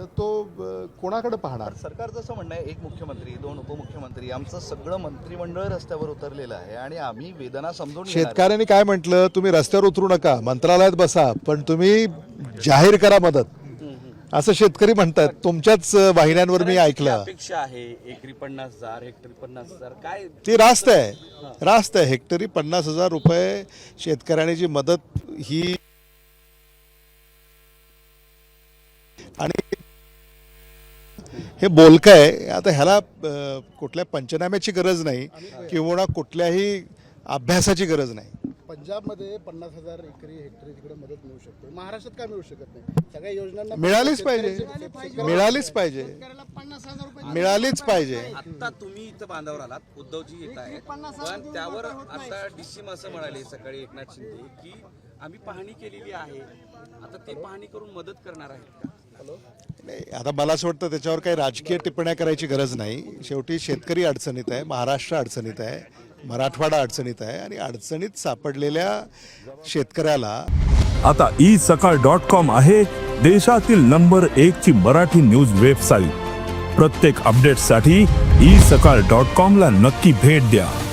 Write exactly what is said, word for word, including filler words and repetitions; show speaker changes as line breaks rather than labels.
तो अ, कोणाकडे पाहणार?
सरकारचं असं म्हणणं आहे, एक मुख्यमंत्री, दोन उपमुख्यमंत्री, आमचं सगळं मंत्रिमंडळ रस्त्यावर उतरलेलं आहे आणि आम्ही वेदना समजून घेणार आहे.
शेतकऱ्यांनी काय म्हटलं, तुम्ही रस्त्यावर उतरू नका, मंत्रालयात बसा, पण तुम्ही जाहीर करा मदत, असं शेतकरी म्हणतात. तुमच्याच वाहिन्यांवर मी ऐकलं.
अपेक्षा आहे एकरी पन्नास हजार हेक्टरी पन्नास हजार काय
ती रास्त आहे, रास्त आहे. हेक्टरी पन्नास हजार रुपये शेतकऱ्याने जी मदत ही, आणि हे बोलकं आहे. आता ह्याला अ, कुठल्या पंचनाम्याची गरज नाही किंवा कुठल्याही अभ्यासाची गरज नाही.
पंजाबमध्ये पन्नास हजार एकरी हेक्टरी तिकडे मदत मिळू शकते, महाराष्ट्रात काय मिळू शकत नाही? सगळ्या योजनांना
मिळालीच पाहिजे, मिळालीच पाहिजे, मिळालीच पाहिजे.
आता तुम्ही इथं बांधावर आलात, उद्धवजी येत आहेत, पण त्यावर आता डीसीम असं म्हणाले सकाळी एकनाथ शिंदे की आम्ही पाहणी केलेली आहे, आता ते पाहणी करून मदत करणार आहेत का?
नाही, आता मला असं वाटतं त्याच्यावर काही राजकीय टिप्पण्या करायची गरज नाही. शेवटी शेतकरी अडचणीत आहे, महाराष्ट्र अडचणीत आहे, मराठवाडा अडचणीत आहे, आणि अडचणीत सापडलेल्या शेतकऱ्याला
आता ई सकाळ डॉट कॉम आहे देशातील नंबर एक ची मराठी न्यूज वेबसाईट. प्रत्येक अपडेटसाठी ई सकाळ डॉट कॉम ला नक्की भेट द्या.